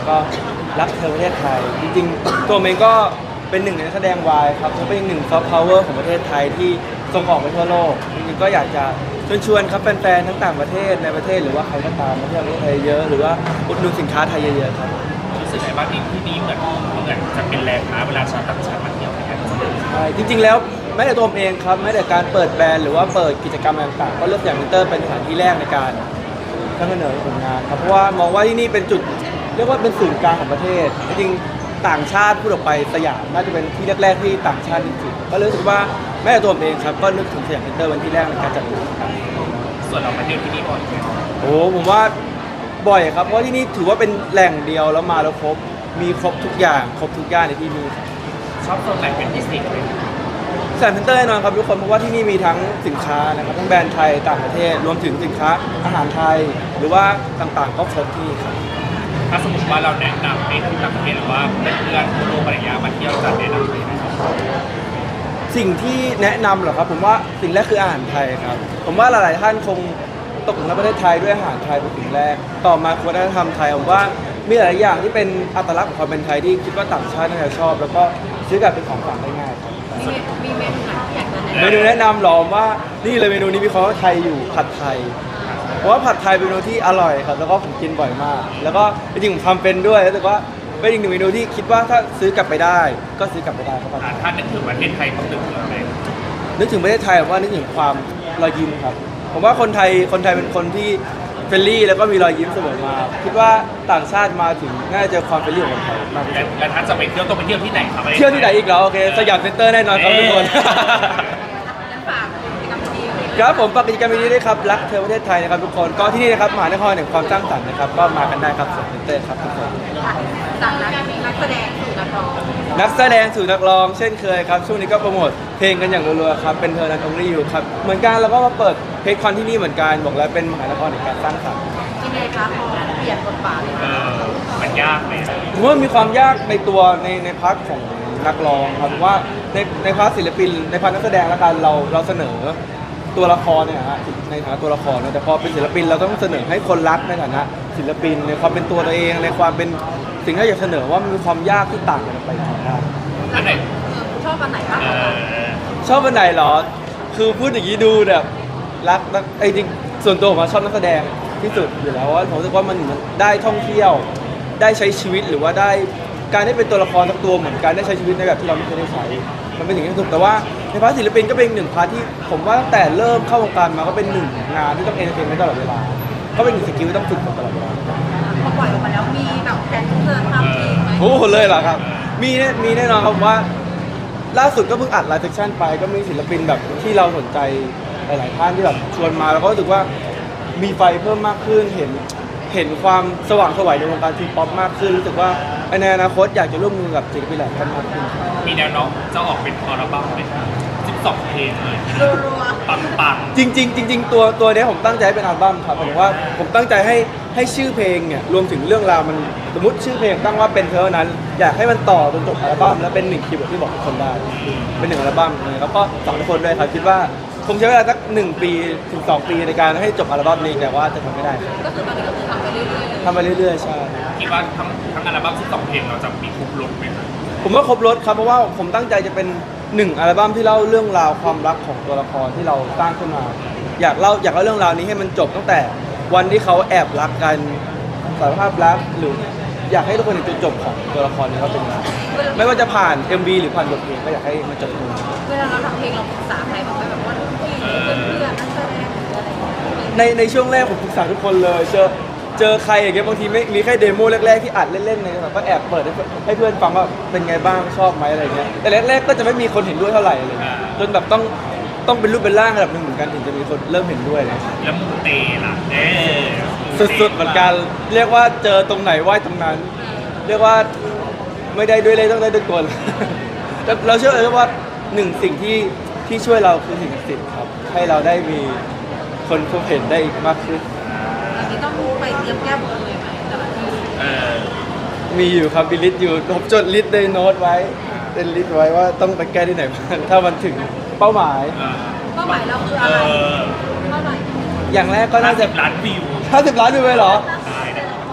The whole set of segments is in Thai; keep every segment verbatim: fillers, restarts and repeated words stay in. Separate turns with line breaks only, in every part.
ก็รักเธอประเทศไทยจริงๆตัวเองก็เป็นหนึ่งในนักแสดงวายครับและเป็นอีกหนึ่งซอฟต์พาวเวอร์ของประเทศไทยที่ส่งออกไปทั่วโลกจริงๆก็อยากจะเชิญชวนครับแฟนๆทั้งต่างประเทศในประเทศหรือว่าใครก็ตามมาเที่ยวประเทศไทยเยอะหรือว่าอุดหนุนสินค้าไทยเยอะๆครับ
รู้สึกไงบ้างที่ที่นี่เหมือนเหมือนจะเป็นแลนด์มาร์คเวลาชาวต่างชาติมาเที่ยวกัน
ใช่จริงๆแล้วแม้แต่ตัวผมเองครับแม้แต่การเปิดแบรนด์หรือว่าเปิดกิจกรรมต่างๆก็เลือกอย่างมิเตอร์เป็นสถานที่แรกในการนำเสนอผลงานครับเพราะว่ามองว่าที่นี่เป็นจุดเรียกว่าเป็นศูนย์กลางของประเทศจริงๆต่างชาติพูดออกไปสยามน่าจะเป็นที่แรกๆที่ต่างชาตินึกถึงก็รู้สึกว่าแม้แต่ตัวผมเองครับก็นึกถึงสยามมิเตอร์วันที่แรกในการจัดงานครับ
ส่วนเรามาเที่ยวที่นี่บ่อยไหม
โอ้ผมว่าบ่อยครับเพราะที่นี่ถือว่าเป็นแหล่งเดียวแล้วมาแล้วครบมีครบทุกอย่างครบทุกอย่างในที่นี่ครับ
ชอบโซนไหนเป็นพิเศษไหม
สยามเซ็นเตอร์แน่นอนครับทุกคนเพราะว่าที่นี่มีทั้งสินค้านะครับทั้งแบรนด์ไทยต่างประเทศรวมถึงสินค้าอาหารไทย หรือว่าต่างๆก็ครบที่ครับ
ถ้าสมมติว่าเราแนะนำให้ทุกต่างประเทศหรือว่าเพื่อนๆทั่วโลกอะไรอย่างเงี้ยมาเที่ยวจะแนะนำเลยไหมครับ
สิ่งที่แนะนำเหรอครับผมว่าสิ่งแรกคืออาหารไทยครับผมว่าหลายๆท่านคงตกหลุมรักประเทศไทยด้วยอาหารไทยเป็นสิ่งแรกต่อมาคือวัฒนธรรมไทยผมว่ามีหลายอย่างที่เป็นอัตลักษณ์ของความเป็นไทยที่คิดว่าต่างชาติน่าจะชอบ แล้วก็ซื้อกลับเป็นของฝากได้ง่ายครับ
มีมีเมนูไหนที่อยากจะแนะ
เม
นำ
นูแนะนำหรอว่านี่เลยเมนูนี้มีคำว่าไทยอยู่ผัดไทยเพราะว่าผัดไทยเป็นเมนูที่อร่อยครับแล้วก็ผมกินบ่อยมาก แล้วก็จริงๆผมทำเป็นด้วยแล้วแต่ว่าเป็นอีกหนึ่งเมนูที่คิดว่าถ้าซื้อกลับไปได้ก็ซื้อกลับไปได้ครับ
อ่าถ้านึกถึงประเทศไทยต้องนึกถึงอะไร
นึกถึงประเทศไทยผมว่านึกถึงความรอยยิ้มครับผมว่าคนไทยคนไทยเป็นคนที่เฟรนลี่แล้วก็มีรอยยิ้มเสมอมาคิดว่าต่างชาติมาถึงน่าจะเจอความเฟรนลี่ของคนไทยมากที่
และ
สุด
และถ้าจะไปเที่ยวต้องไปเที่ยวที่ไหนครับ
เที่ยวที่ไหนอีกเหรอโอเคสยามเซ็นเตอร์แน่นอนครับทุกคน
งั้นฝากกิจกรรมดีๆเลย
ครับผมฝากกิจกรรมนี้ด้วยครับรักเธอประเทศไทยนะครับทุกคนก็ที่นี่นะครับมหานครแห่งความสร้างสรรค์นะครับก็มากันได้ครับสยามเซ็นเตอร์ครับทุกคน
จากนักนักแสดงสู่นักร้อง
นักแสดงสู่นักร้องเช่นเคยครับช่วงนี้ก็โปรโมทเพลงกันอย่างรัวๆครับเป็นเธอนันทงรีอยู่ครับเหมือนกันแล้วก็มาเปิดเพจคอนที่นี่เหมือนกันบอกแล้วเป็นมหานครแห่งการสร้างสรรค์
ยังไงคะพอเปลี่ยนบทบาทเลย
เออมันยากไหม
ผมว่ามีความยากในตัวในในพาร์ทของนักร้องครับว่าในในพาร์ทศิลปินในพาร์ทนักแสดงแล้วกันเราเราเสนอตัวละครเนี่ยฮะในฐานะตัวละครนะแต่พอเป็นศิลปินเราต้องเสนอให้คนรักในฐานะศิลปินในความเป็นตัวตัวเองในความเป็นสิ่งที่อยากเสนอว่ามันมีความยากที่ต่างกันออกไปครับ
อันไหน
ชอบอันไหนมาก
เอก
ว่ากัน
อ
ชอบอันไหนเหรอคือพูดอย่างนี้ดูแบบรักนักไอ้จริงส่วนตัวผมอะชอบนักแสดงที่สุดอยู่แล้วว่าผมรู้สึกว่ามันได้ท่องเที่ยวได้ใช้ชีวิตหรือว่าได้การได้เป็นตัวละครสักตัวเหมือนกันได้ใช้ชีวิตในแบบที่เราไม่เคยได้ใช้มันเป็นสิ่งที่สุดแต่ว่าในพาร์ทศิลปินก็เป็นหนึ่งพาร์ทที่ผมว่าตั้งแต่เริ่มเข้าวงการมาก็เป็นหนึ่งงานที่ต้องเอนเตอร์เทนเมนต์ตลอดเวลาก็เป็นหนึ่งสกิลที่ต้องฝึกตลอดเวลา
พอปล่อยออกมาแล้วมีแบบแผนเธอทำเองไหม
โอ้โหเลยเหรอครับมีแน่มีแน่นอนครับผมว่าล่าสุดก็เพิ่งอัดไลฟ์เซสชั่นไปก็มีศิลปินแบบที่เราสนใจหลายๆท่านที่แบบชวนมาแล้วก็รู้สึกว่ามีไฟเพิ่มมากขึ้นเห็นเห็นความสว่างไสวยในวงการทีป๊อปมากขึ้นรู้สึกว่าในอนาคตอยากจะร่วมมือกับศิลปินหลายท่านมากขึ้น
มีแนวโน้มจะออกเป็นอัลบั้มไหมครับสิบสองเพลงเลย
รัว
ปังปัง
จริงๆจริงๆตัวตัวเนี้ยผมตั้งใจให้เป็นอัลบั้มครับผมว่าผมตั้งใจให้ให้ชื่อเพลงเนี่ยรวมถึงเรื่องราวมันสมมติชื่อเพลงตั้งว่าเป็นเธอนั้น อยากให้มันต่อจนจบอัลบั้มแล้วเป็นหนึ่งคีย์เวิร์ดที่บอกทุกคนได้เป็นหนึ่งอัลบั้มเลยแล้วก็สองทุกคนด้วยครับคิดว่าคงใช้เวลาสักหนึ่งปีถึงสองปีในการให้จบอัลบั้มนี้แต่ว่าจะทำไม่ได้ครับ
ๆก็คือตอนนี้ก็คือทำไปเรื่อยๆเลย
ทำไปเรื่อยๆใช่
คิดว่าทั้งทั้งอัลบั้มสิบสองเพลงเราจะมีครบรถไหมครับ
ผมว่าครบรถครับเพราะว่าผมตั้งใจจะเป็นหนึ่งอัลบั้มที่เล่าเรื่องราวความรักของตัวละครที่เราสร้างขึ้นมา อยากเล่าอยากเล่าเรื่องราวนี้ให้มันจบตั้งแต่วันที่เขาแอบรักกันสารภาพรักหรืออยากให้ทุกคนเห็นจุดจบของตัวละครนี้ว่าเป็นยังไงไม่ว่าจะผ่าน เอ็ม วี หรือผ่านบทเพลงก็อยากให้มันจบตรงนี้
เวลาเราทำเพลงเราปรึกษาใครบ้างไหมแบบว่าพี่เพื่อนเพื่อนนักแสดงหรืออะไรอย่างเงี้ย
ในในช่วงแรกผมปรึกษาทุกคนเลยเจอเจอใครอย่างเงี้ยบางทีไม่มีแค่เดโมแรกๆที่อัดเล่นๆเลยแบบก็แอบเปิดให้เพื่อนให้เพื่อนฟังว่าเป็นไงบ้างชอบไหมอะไรเงี้ยแต่แรกๆก็จะไม่มีคนเห็นด้วยเท่าไหร่เลยจนแบบต้องต้องเป็นรูปเป็นร่างระดับหนึ่งเหมือนกันถึงจะมีคนเริ่มเห็นด้วยเลย
แล้วมูเตล่ะเออ
สุดๆเหมือนกันเรียกว่าเจอตรงไหนไหว้ตรงนั้น เรียกว่าไม่ได้ด้วยเลยต้องได้ด้วยกล แต่เราเชื่อเลยว่าหนึ่งสิ่งที่ที่ช่วยเราคือสิ่งศักดิ์สิทธิ์ครับให้เราได้มีคนพบเห็นได้มากขึ้น
ตอนนี้ต้องไปเตรียมแก้บนเลยไหมแต่ละที่
เออ
มีอยู่ครับมีลิสต์อยู่ผมจดลิสต์ในโน้ตไว้เป็นลิสต์ไว้ว่าต้องไปแก้ที่ไหนบ้างถ้ามันถึงเป้าหมาย
เออ
เป้าหมายเราคือ
เอ
อะไร
อ
เท่าไหร่
อย่างแรกก็
ห้า
น่า
สิ
จะ
บล้านวิว
ห้าสิบล้านดูไปเหรอ
ได้นะ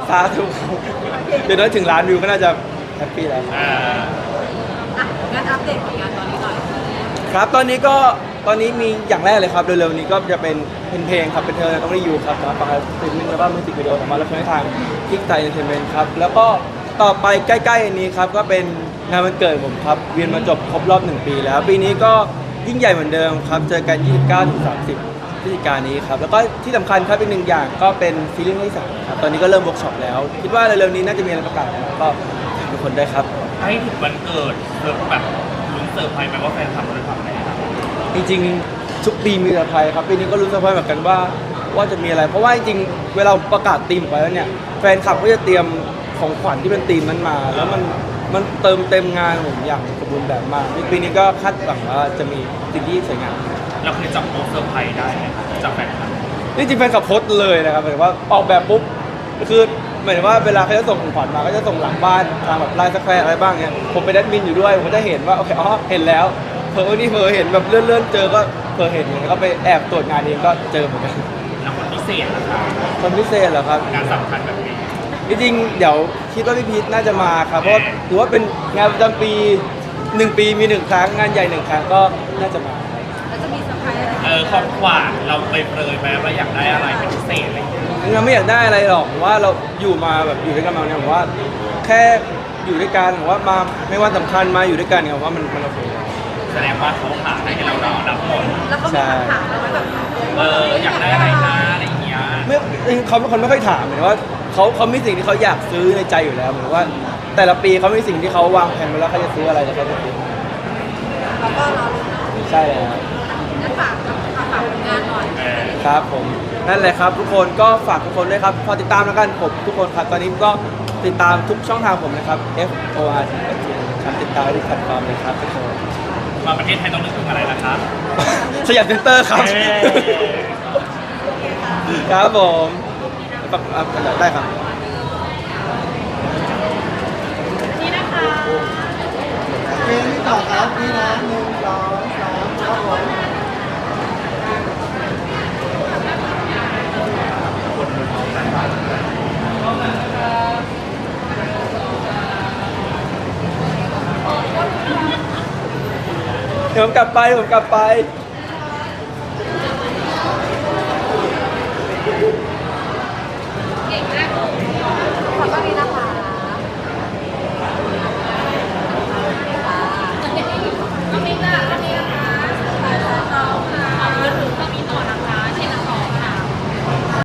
สาธุครับเดี๋ยวนั้นถึงล้านวิวก็น่าจะแฮปปี้แล้ว
อ่า
อ่ะงั้นอัปเดตผลงานตอนนี้หน่อย
ครับตอนนี้ก็ตอนนี้มีอย่างแรกเลยครับเร็วๆนี้ก็จะเป็นเป็นเพลงครับเป็นเธอต้องได้ยูครับสามารถฟังสตรีมมิ่งแล้วก็มิวสิกวิดีโอสามารถรับชมได้ทางคิกไทยเอนเตอร์เทนเมนต์ครับแล้วก็ต่อไปใกล้ๆอันนี้ครับก็เป็นงานวันเกิดผมครับเวียนมาจบครบรอบหนึ่งปีแล้วปีนี้ก็ยิ่งใหญ่เหมือนเดิมครับเจอกัน ยี่สิบเก้าถึงสามสิบ พฤศจิกายนนี้ครับแล้วก็ที่สำคัญครับอีกหนึ่งอย่างก็เป็นซีรีส์ที่สามครับตอนนี้ก็เริ่มเวิร์กช็อปแล้ว คิดว่าเร็วๆนี้น่าจะมีอะไรประกาศแล้วก็ฝากทุกคนด้วยครับ
ให้ถึงวันเกิดเธอแบบลุ้นเซอร์ไพรส์ไหมว่าแฟนคลับจะทำอะไรครับ
จริงๆทุกปีมีเซอร์ไพรส์ครับปีนี้ก็รู้เซอร์ไพรส์เหมือนกันว่าว่าจะมีอะไร เพราะว่าจริงๆเวลาประกาศธีมออกไปแล้วเนี่ยแฟนคลับก็จะเตรียมของขวัญที่เป็นธีมนั้นมา แล้วมันมันเติมเต็มงานผมอย่างสมบูรณ์แบบมากปีนี้ก็คาดหวังว่าจะมีสิ่งที่สวยงาม
เราเคยจับโป๊เซอร์ไพรส์ได้ไหมครับจับแฟนคลับ
นี่จริงๆแฟนคลับโพสต์เลยนะครับหมายถึงว่าออกแบบปุ๊บคือหมายถึงว่าเวลาเขาจะส่งของขวัญมาก็จะส่งหลังบ้านทางแบบไลน์สแควร์อะไรบ้างเนี่ยผมเป็นแอดมินอยู่ด้วยผมก็จะเห็นว่าโอเคอ๋อเห็นแล้วเพอนี่เพอเห็นแบบเลื่อนๆเจอก็เพอเห็นแล้วก็ไปแอบตรวจงานเองก็เจอเหมือนกัน
แล้วคนพิเศษนะครับ
คนพิเศษเหรอครับ
งานสำคัญแบบนี้
จริงๆเดี๋ยวคิดว่าพี่พีทน่าจะมาครับเพราะถือว่าเป็นงานประจำปีหนึ่งปีมีหนึ่งครั้งงานใหญ่หนึ่งครั้งก็น่าจะมา
แล้วจะมีเซอร์ไพรส์อะไร
เออของขวัญเราไปเปรยไหมว่าอยากได้อะไรเป็นพิเศษอะไรอย่างเงี้ย
เราไม่อยากได้อะไรหรอกผมว่าเราอยู่มาแบบอยู่ด้วยกันมาเนี่ยผมว่าแค่อยู่ด้วยกันผมว่ามาไม่ว่าสำคัญมาอยู่ด้วยกันเนี่ยผมว่ามันมันโอเค
แสดงว่าเขาหาให้เราเราดับหมด
แล้วเขามีคำถามเราไหมแบบ
เอออยากได้อะไรนะอะไรอย่างเงี้ย
ไม่เขาเป็นคนไม่ค่อยถามเหมือนว่าเขาเขามีสิ่งที่เขาอยากซื้อในใจอยู่แล้วเหมือนว่า แต่ละปีเขามีสิ่งที่เขาวางแผนไว้แล้วเขาจะซื้ออะไรแล้วเขาจะซื้อ
แล้วก็รอลุ้นเนาะ
ใช่แล้ว
งั้นฝากฝากผลงานหน่อย
เออ
ครับผมนั่นแหละครับทุกคนก็ฝากทุกคนด้วยครับพอติดตามแล้วกันผมทุกคนครับตอนนี้ก็ติดตามทุกช่องทางผมนะครับ F O R T ครับติดตามทุกแพลตฟอร์มเลยครับทุกคน
มาประเทศไทยต้องนึกถึงอะไรนะครับ
สยามเซ็นเตอร์ครับ
เอ้ย
ครับผมปรับได้ครับ
นี่นะคะ
เพลงที่ต่อครับนี่นะหนึ่งสองสามครับผม
เดี๋ยวผมกลับไปเดี๋ยวผมกลับไป